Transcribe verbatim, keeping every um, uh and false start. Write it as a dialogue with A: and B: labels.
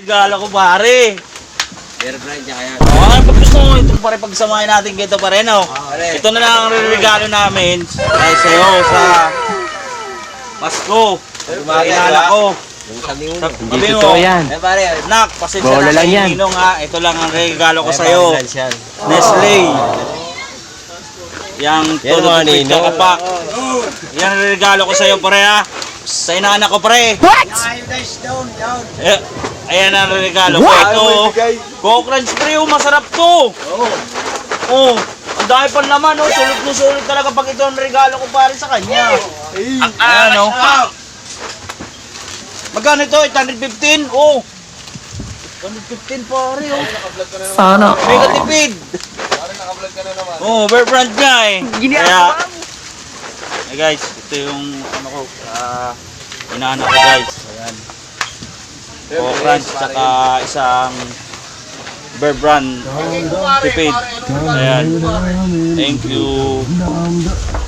A: regalo ko pare.
B: Bear brand niya kaya.
A: Oh, pag gusto mo, ito pare pagsamahin natin kito pare, no? Ito na lang ang regalo namin ay sa'yo sa Pasko. Kailangan ko.
B: Yung sabi mo.
C: Hindi totoo yan.
B: Eh pare,
A: Nak, pasensya
C: Bola
A: na
C: lang
A: kay
C: yan.
A: Ninong ha. Ito lang ang regalo ko
B: eh,
A: sa'yo.
B: brand siya.
A: Nestle. Yang
B: Yan
A: todo
B: mga
A: tupid
B: ninong.
A: ka kapak. Yan ang regalo ko sa'yo pare ha. Sa inaanak ko pare.
C: What?
A: Eh, ayan ang regalo ko. Ito, Coke Crunch pre, oh, masarap to. Oh, ang dami pa naman, oh. Sulit na sulit talaga pag ito ang regalo ko pare sa kanya. Ayan, oh. Magkano ito? eight hundred fifteen? Oh. eight hundred fifteen pare, oh.
C: Sana.
A: Mega tipid. Oh, bear brand niya eh. Kaya, eh guys, ito yung ano ko, uh, inaanak ko guys. Ayan. Coke Crunch, tsaka isang bear brand tipid. Ayan. Thank you.